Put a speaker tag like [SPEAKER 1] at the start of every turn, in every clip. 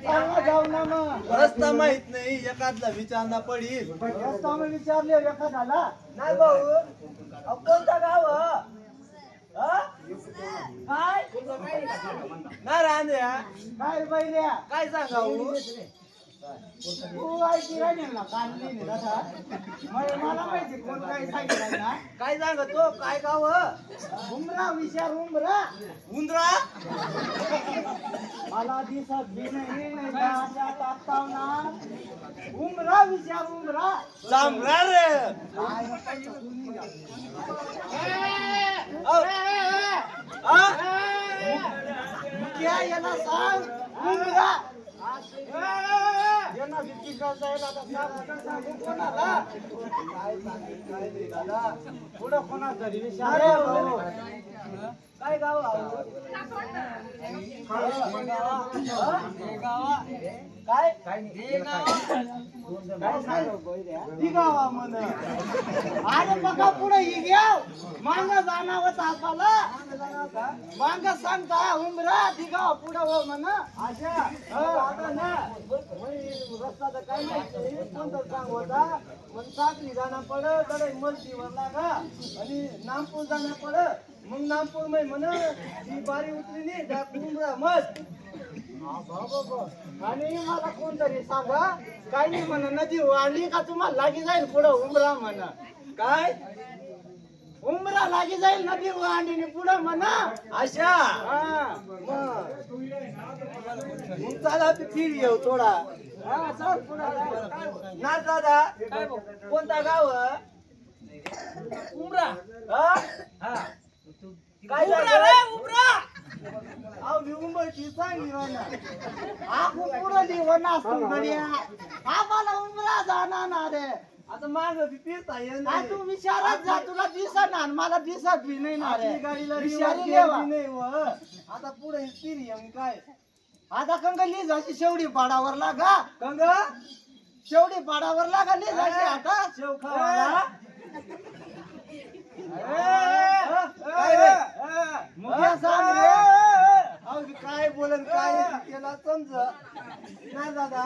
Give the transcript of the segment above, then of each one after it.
[SPEAKER 1] जाऊ ना मग
[SPEAKER 2] रस्ता माहित नाही एखादला विचारणा पडील
[SPEAKER 1] रस्ता मग विचारले एखाद्याला
[SPEAKER 2] नाही भाऊ कोणता गाव काय नाही रांद्या
[SPEAKER 1] काय बैल्या
[SPEAKER 2] काय सांगाऊ
[SPEAKER 1] तू ऐकी राहिली ना काढली नाही तसा मला माहिती कोण काय सांगितलं ना
[SPEAKER 2] काय सांगतो काय गाव
[SPEAKER 1] उमरा विचार उमरा
[SPEAKER 2] उंदरा
[SPEAKER 1] मला दिसत बी नाही टाकताव ना उमरा विचार उमरा
[SPEAKER 2] चांगला रे
[SPEAKER 1] क्या याला सांग उमरा यांना विक्री करता येईल आता सांगू कोणाला काय नाही दादा पुढं कोणा तरी विचार काय गाव काय गावा म्हण अरे बघा पुढे ही घ्या मांग जाणावं तापाला मांग सांगता उमरा ती गाव पुढं हो म्हण अशा आता ना रस्ता तर काय माहिती कोणतं सांग होता मग साखली जाणं पडत तर मस्तीवर लागा आणि नामपूर जाणं पडत मग नामपूर मध्ये म्हण ती बारी उतरली नाही त्या उमरा मस्त आणि मला कोणतरी सांगा काय नाही म्हणा नदी वाढली का तुम्हाला लागी जाईल पुढं उमरा म्हणा काय उमरा लागी जाईल नदी वाढली पुढं म्हणा
[SPEAKER 2] अशा मग चला ते फिर येऊ थोडा
[SPEAKER 1] चल पुढं
[SPEAKER 2] ना दादा कोणता गाव
[SPEAKER 1] उमरा
[SPEAKER 2] काय झालं उमरा अहो मी उंबरची चांगली म्हणा
[SPEAKER 1] आपण पुढं लिहून असतो गड्या आम्हाला उमरा जाणार ना रे
[SPEAKER 2] आता माग फिरता
[SPEAKER 1] आ तू विचारत जा तुला दिसणार मला दिसत बी नाही ना रे
[SPEAKER 2] गाडीला
[SPEAKER 1] विचारी
[SPEAKER 2] नाही व आता पुढे फिर काय
[SPEAKER 1] आता कंगली जाशी शेवडी पाडावर लागा
[SPEAKER 2] कंग
[SPEAKER 1] शेवडी पाडावर लागा नाही जाशी आता
[SPEAKER 2] शेव खावाला
[SPEAKER 1] मुख्या सांग रे
[SPEAKER 2] अहो काय बोलन काय त्याला समज नाही दादा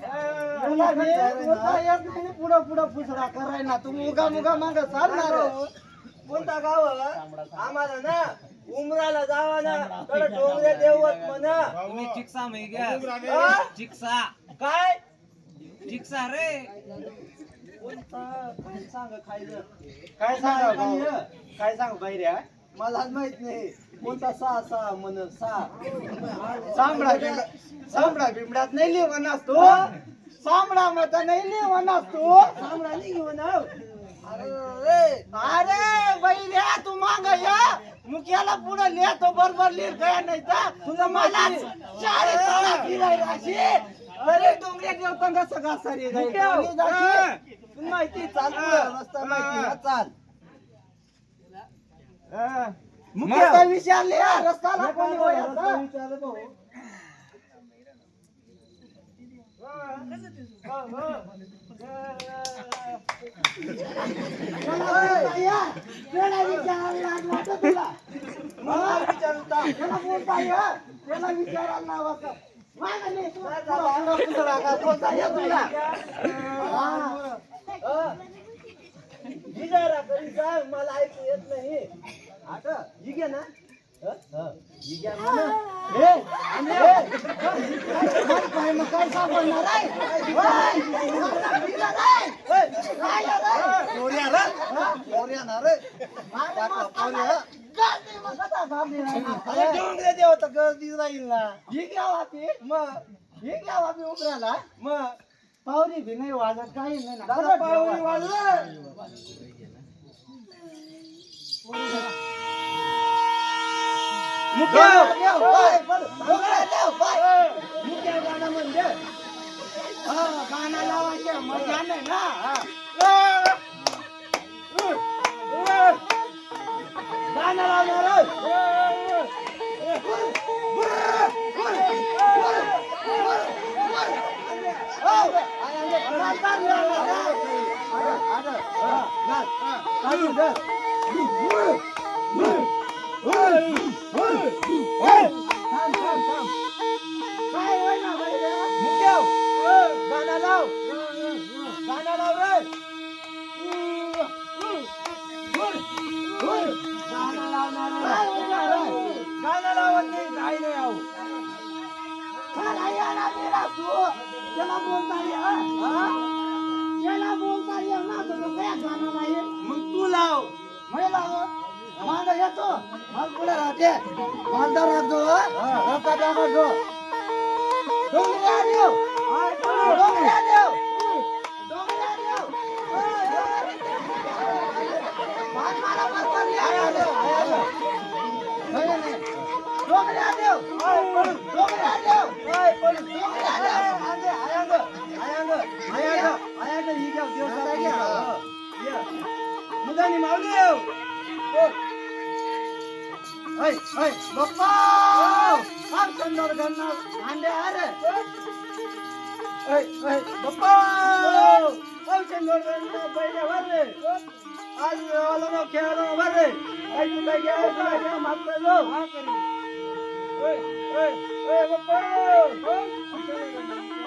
[SPEAKER 1] पुढं पुढं फुसडा कराय ना तू मुगा मुगा माग चालणार
[SPEAKER 2] कोणता गाव आम्हाला ना उमराला जावा ना कडे डोंगरे देवत म्हणा
[SPEAKER 3] तुम्ही चिक्सा माही घ्या चिक्सा
[SPEAKER 2] काय
[SPEAKER 3] चिक्सा रे
[SPEAKER 2] काय सांग खायचं
[SPEAKER 1] काय सांग काय सांग बैऱ्या
[SPEAKER 2] मला माहित नाही कोणता सहा म्हण
[SPEAKER 1] सामडा बिमडात नाही लिहून असतो सामडा मत नाही लिहून असतो
[SPEAKER 2] सामना नाही घेऊन
[SPEAKER 1] अरे बैऱ्या तू माग या मुख्याला पुढे लिहितो बरोबर लिहिल काय नाही तर तुझं मला अरे डोंगऱ्या देवतांना सगळा सरी
[SPEAKER 2] माहिती चाल रस्ता माहिती चाल
[SPEAKER 1] मुख्य विचारले रस्त्याला कोणी
[SPEAKER 2] विचार भाऊ
[SPEAKER 1] त्याला विचारायला नाव
[SPEAKER 2] मला ऐकू येत नाही आता ही घ्या ना
[SPEAKER 1] काय सापडणार
[SPEAKER 2] डोंगरे देवता गर्दी राहील ना
[SPEAKER 1] ही घ्या वापी
[SPEAKER 2] मग
[SPEAKER 1] ही घ्या वापी उतरायला
[SPEAKER 2] मग
[SPEAKER 1] पावरी भी नाही वाजत काही नाही ना
[SPEAKER 2] दादा पावरी वाजलं मुख्य गाणं म्हणजे
[SPEAKER 1] गाणं लावायचे मजा नाही ना
[SPEAKER 2] गाणं लावणार
[SPEAKER 1] काय होय ना
[SPEAKER 2] गाणं लाव गाणं लाव रे गाणं लावत नाही काही नाही आहो
[SPEAKER 1] त्याला बोलता येईल ना तर काय गाणं नाही
[SPEAKER 2] मग तू लाव
[SPEAKER 1] महिला माझा येतो मग पुढे राहते माझा राहतो रस्ता टाकायचो डोंगऱ्या देव डोंगऱ्या देव डोंगऱ्या देव मला मास्तर डोंगऱ्या देव डोंगऱ्या देव डोंगऱ्या देव
[SPEAKER 2] मुदानी मावदेव
[SPEAKER 1] बाप्पा फार सुंदर गन्ना अंडे अरे
[SPEAKER 2] बाप्पा चंदोर पहिले भरले आज वाला खेळायला भरले काय तू काय घ्या मागता जाऊ बाप्पा